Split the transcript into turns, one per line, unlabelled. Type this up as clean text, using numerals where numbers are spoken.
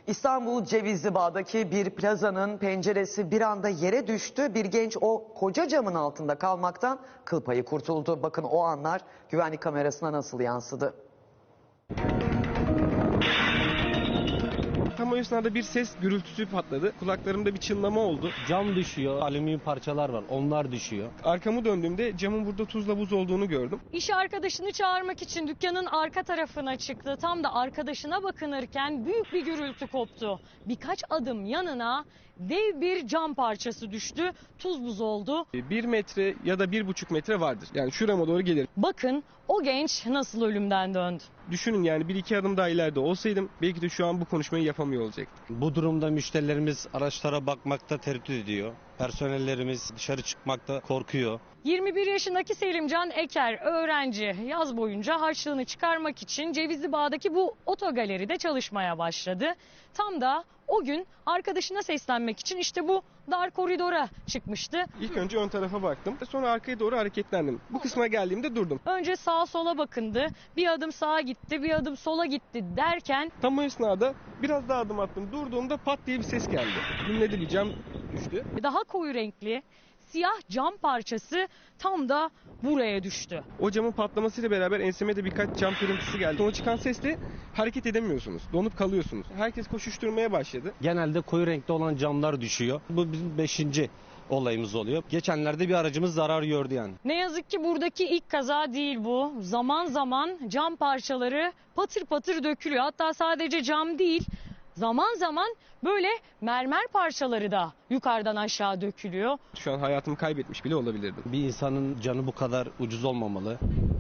İstanbul Cevizlibağ'daki bir plazanın penceresi bir anda yere düştü. Bir genç o koca camın altında kalmaktan kıl payı kurtuldu. Bakın o anlar güvenlik kamerasına nasıl yansıdı.
Tam o esnada bir ses gürültüsü patladı. Kulaklarımda bir çınlama oldu.
Cam düşüyor, alüminyum parçalar var, onlar düşüyor.
Arkamı döndüğümde camın burada tuzla buz olduğunu gördüm.
İş arkadaşını çağırmak için dükkanın arka tarafına çıktı. Tam da arkadaşına bakınırken büyük bir gürültü koptu. Birkaç adım yanına dev bir cam parçası düştü. Tuz buz oldu.
1 metre ya da 1,5 metre vardır. Yani şurama doğru gelir.
Bakın o genç nasıl ölümden döndü.
Düşünün yani 1-2 adım daha ileride olsaydım belki de şu an bu konuşmayı yapamıyor olacaktım.
Bu durumda müşterilerimiz araçlara bakmakta tereddüt ediyor. Personellerimiz dışarı çıkmakta korkuyor.
21 yaşındaki Selimcan Eker öğrenci yaz boyunca harçlığını çıkarmak için Cevizlibağ'daki bu otogaleride çalışmaya başladı. Tam da o gün arkadaşına seslenmek için işte bu dar koridora çıkmıştı.
İlk önce ön tarafa baktım. Sonra arkaya doğru hareketlendim. Bu kısma geldiğimde durdum.
Önce sağa sola bakındı. Bir adım sağa gitti, bir adım sola gitti derken
Tam o esnada biraz daha adım attım. Durduğumda pat diye bir ses geldi. Dinledi, bir cam düştü.
daha koyu renkli siyah cam parçası tam da buraya düştü.
O camın patlamasıyla beraber enseme de birkaç cam kırıntısı geldi. Sonra çıkan sesle hareket edemiyorsunuz. Donup kalıyorsunuz. Herkes koşuşturmaya başladı.
Genelde koyu renkte olan camlar düşüyor. Bu bizim 5. olayımız oluyor. Geçenlerde bir aracımız zarar gördü yani.
Ne yazık ki buradaki ilk kaza değil bu. Zaman zaman cam parçaları patır patır dökülüyor. Hatta sadece cam değil, zaman zaman böyle mermer parçaları da yukarıdan aşağı dökülüyor.
Şu an hayatımı kaybetmiş bile olabilirdim.
Bir insanın canı bu kadar ucuz olmamalı.